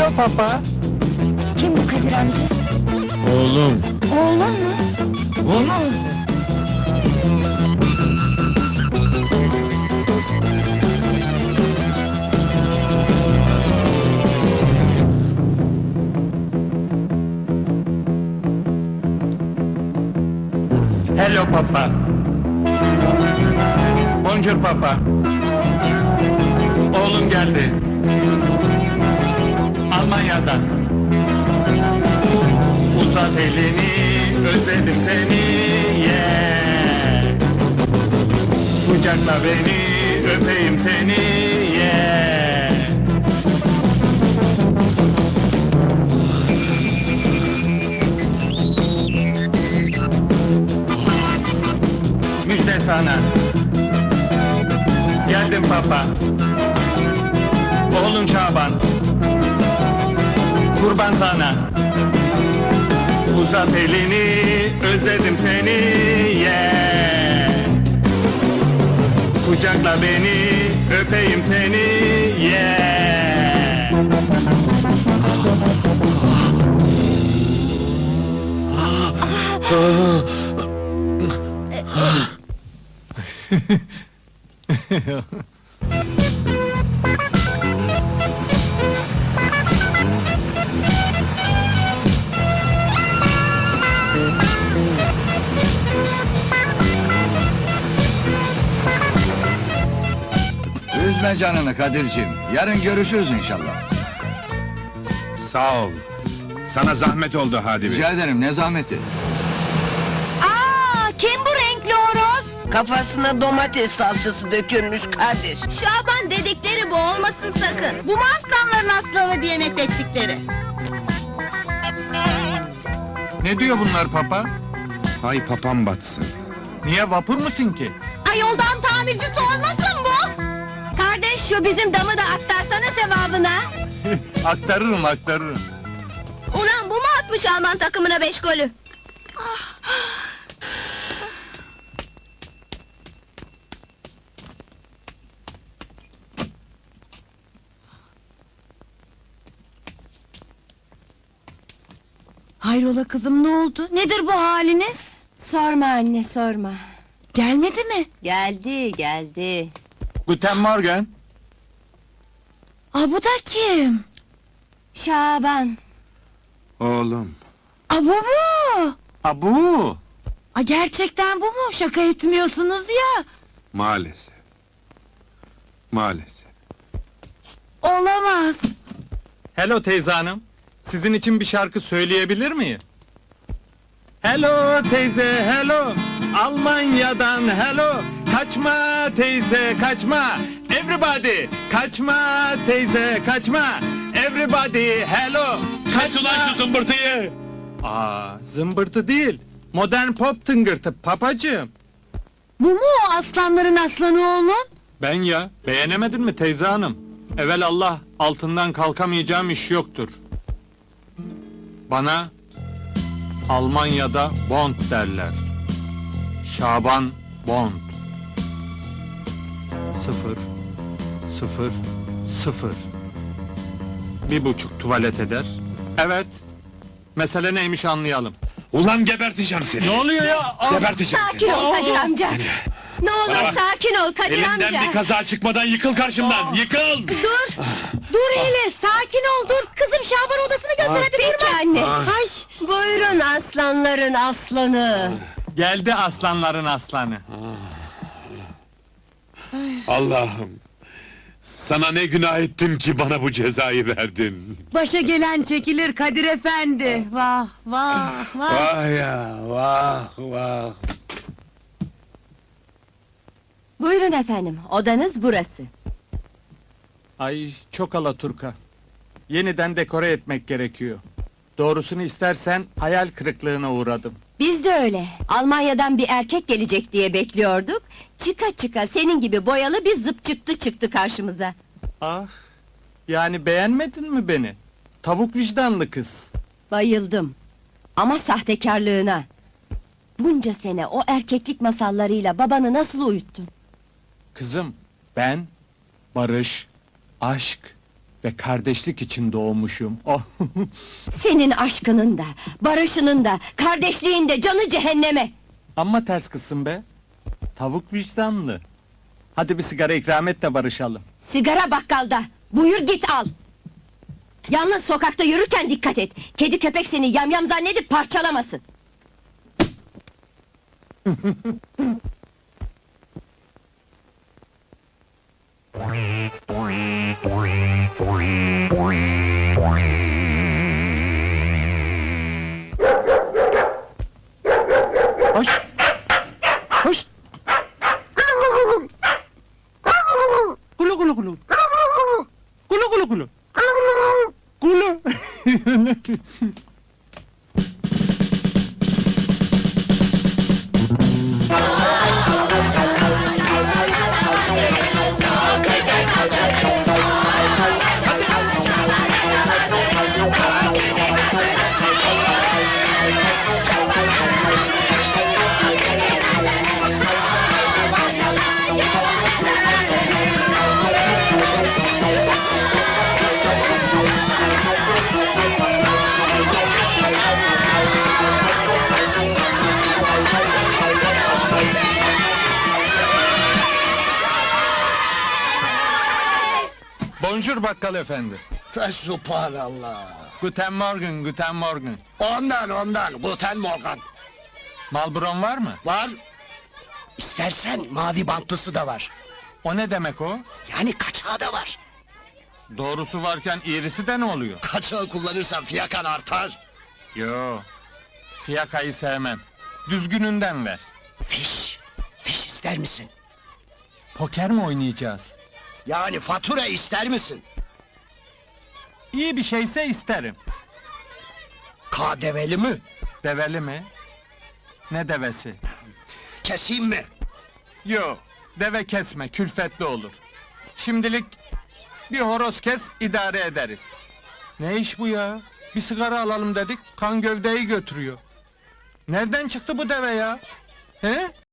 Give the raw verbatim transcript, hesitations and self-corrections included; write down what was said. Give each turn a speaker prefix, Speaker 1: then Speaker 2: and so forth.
Speaker 1: Hello papa.
Speaker 2: Kim bu Kadir amca?
Speaker 1: Oğlum.
Speaker 2: Oğlum mu?
Speaker 1: Oğlum. Hello papa. Bonjour papa. Oğlum geldi. Almanya'dan. Uzat elini, özledim seni, yeah. Kucakla beni, öpeyim seni, yeah. Müjde sana. Geldim papa. Oğlun Şaban. Kurban sana. Uzat elini, özledim seni, yeah. Kucakla beni, öpeyim seni, yeah.
Speaker 3: Üzme canını Kadir'cim. Yarın görüşürüz inşallah.
Speaker 4: Sağ ol. Sana zahmet oldu Hadi Bey.
Speaker 3: Rica ederim, ne zahmeti.
Speaker 2: Aa, kim bu renkli horoz?
Speaker 5: Kafasına domates salçası dökülmüş Kadir.
Speaker 2: Şaban dedikleri bu olmasın sakın. Bu mu aslanların aslanı diye methettikleri?
Speaker 1: Ne diyor bunlar papa?
Speaker 4: Hay papam batsın.
Speaker 1: Niye, vapur musun ki?
Speaker 2: Ay yoldan tamircisi olmasın bu? Kardeş şu bizim damı da aktarsana sevabına.
Speaker 1: Aktarırım, aktarırım.
Speaker 2: Ulan bu mu atmış Alman takımına beş golü?
Speaker 6: Hayrola kızım, ne oldu? Nedir bu haliniz?
Speaker 2: Sorma anne sorma.
Speaker 6: Gelmedi mi?
Speaker 2: Geldi geldi.
Speaker 1: Guten Morgen.
Speaker 6: Aa, bu da kim?
Speaker 2: Şaban.
Speaker 4: Oğlum.
Speaker 6: Aa, bu mu?
Speaker 1: Abu.
Speaker 6: Aa, gerçekten bu mu? Şaka etmiyorsunuz ya.
Speaker 4: Maalesef. Maalesef.
Speaker 6: Olamaz.
Speaker 1: Hello teyze hanım. Sizin için bir şarkı söyleyebilir miyim? Hello teyze, hello. Almanya'dan hello. Kaçma teyze, kaçma. Everybody, kaçma teyze, kaçma. Everybody, hello. Kaç ulan şu zımbırtıyı. Aa, zımbırtı değil. Modern pop tıngırtı papacığım.
Speaker 6: Bu mu o aslanların aslanı oğlun?
Speaker 1: Ben ya, beğenemedin mi teyze hanım? Evel Allah, altından kalkamayacağım iş yoktur. Bana Almanya'da Bond derler. Şaban Bond. Sıfır, sıfır, sıfır. Bir buçuk tuvalet eder. Evet. Mesele neymiş anlayalım.
Speaker 4: Ulan geberteceğim seni.
Speaker 1: Ne oluyor ya? Aa!
Speaker 4: Geberteceğim
Speaker 2: Sakin ol Kadir amca. Ne olur
Speaker 4: Bana bak.
Speaker 2: sakin ol Kadir
Speaker 4: Elimden
Speaker 2: amca.
Speaker 4: bir kaza çıkmadan yıkıl karşımdan. Yıkıl.
Speaker 6: Dur! Dur hele, sakin ol, dur! Kızım Şaban odasını göster, hadi
Speaker 2: Peki
Speaker 6: durma!
Speaker 2: anne.
Speaker 6: Ay!
Speaker 2: Buyurun aslanların aslanı.
Speaker 1: Geldi aslanların aslanı.
Speaker 4: Allah'ım. Sana ne günah ettim ki bana bu cezayı verdin.
Speaker 6: Başa gelen çekilir Kadir efendi! Vah, vah, vah!
Speaker 4: Vah ya, vah, vah.
Speaker 2: Buyurun efendim odanız burası.
Speaker 1: Ay çok alaturka. Yeniden dekore etmek gerekiyor. Doğrusunu istersen hayal kırıklığına uğradım.
Speaker 2: Biz de öyle. Almanya'dan bir erkek gelecek diye bekliyorduk. Çıka çıka senin gibi boyalı bir zıp çıktı çıktı karşımıza.
Speaker 1: Ah, yani beğenmedin mi beni? Tavuk vicdanlı kız.
Speaker 2: Bayıldım. Ama sahtekarlığına. Bunca sene o erkeklik masallarıyla babanı nasıl uyuttun?
Speaker 1: Kızım, ben barış, aşk ve kardeşlik için doğmuşum. Oh.
Speaker 2: Senin aşkının da, barışının da, kardeşliğin de canı cehenneme!
Speaker 1: Amma ters kızsın be. Tavuk vicdanlı. Hadi bir sigara ikram et de barışalım.
Speaker 2: Sigara bakkalda, buyur git al! Yalnız sokakta yürürken dikkat et! Kedi köpek seni yamyam zannedip parçalamasın!
Speaker 1: Hoş! Hoş! Kulu kulu kulu! Kulu kulu kulu! Kulu! Bonjour bakkal efendi.
Speaker 7: Fesubhanallah.
Speaker 1: Guten Morgen, guten Morgen.
Speaker 7: Ondan ondan Guten Morgen.
Speaker 1: Malbron var mı?
Speaker 7: Var. İstersen mavi bantlısı da var.
Speaker 1: O ne demek o?
Speaker 7: Yani kaçağı da var.
Speaker 1: Doğrusu varken iğrisi de ne oluyor?
Speaker 7: Kaçağı kullanırsan fiyakan artar.
Speaker 1: Yo, fiyakayı sevmem. Düzgününden ver.
Speaker 7: Fiş. Fiş ister misin?
Speaker 1: Poker mi oynayacağız?
Speaker 7: Yani fatura ister misin?
Speaker 1: İyi bir şeyse isterim.
Speaker 7: K develi mi?
Speaker 1: Develi mi? Ne devesi?
Speaker 7: Keseyim mi?
Speaker 1: Yo, deve kesme, külfetli olur. Şimdilik bir horoz kes, idare ederiz. Ne iş bu ya? Bir sigara alalım dedik, kan gövdeyi götürüyor. Nereden çıktı bu deve ya? He?